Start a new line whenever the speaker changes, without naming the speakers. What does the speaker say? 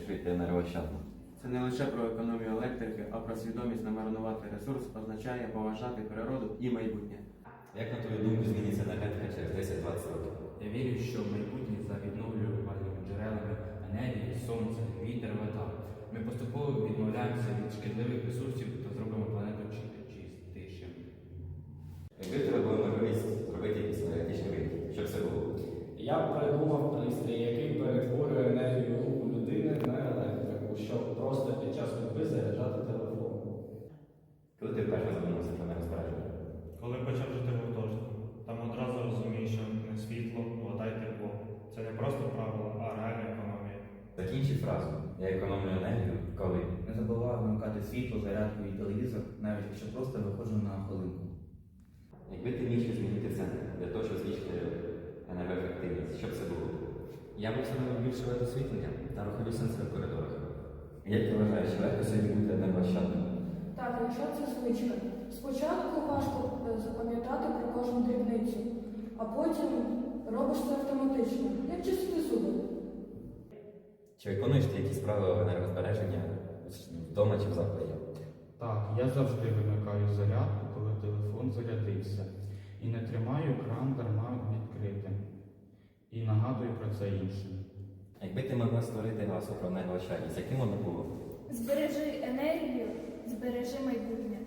жити енергоощадно?
Це не лише про економію електрики, а про свідомість не марнувати ресурс означає поважати природу і майбутнє.
Як на твою думку зміниться енергетика через 10-20 років?
Я вірю, що майбутнє за відновлювальними джерелами енергії, сонце, вітер, вода. Ми поступово відмовляємося від шкідливих ресурсів та зробимо планету чистішим.
Якби в тебе була можливість зробити якийсь енергетичний вихід, що б це було?
Я б придумав пристрій, який перетворює енергію руху людини на електрику, щоб просто під час ходьби заряджати телефон.
Коли ти вперше задумався про енергозбереження?
Коли почав жити в гуртожитку, там одразу розумієш, що не світло, вода й тепло. Це не просто правило, а реальна економія.
Закінчи фразу. Я економлю енергію, коли.
Не забуваю вмикати світло, зарядку і телевізор, навіть якщо просто виходжу на хвилинку.
Якби ти міг щось змінити в центрі для того, щоб збільшити енергоефективність, що б це було?
Я б встановив більше освітлення та рухові сенсори в коридорах.
Як ти вважаєш, чи легко сьогодні бути енергоощадним?
Так, якщо це звичка. Спочатку важко запам'ятати про кожну дрібницю, а потім робиш це автоматично, як чистити зуби.
Чи виконуєш ти якісь правила енергозбереження вдома чи в закладі?
Так, я завжди вимикаю зарядку, коли телефон зарядився. І не тримаю кран дарма відкритим. І нагадую про це іншим.
Якби ти могла створити гасло про енергоощадність, яким воно було?
Збережи енергію, збережи майбутнє.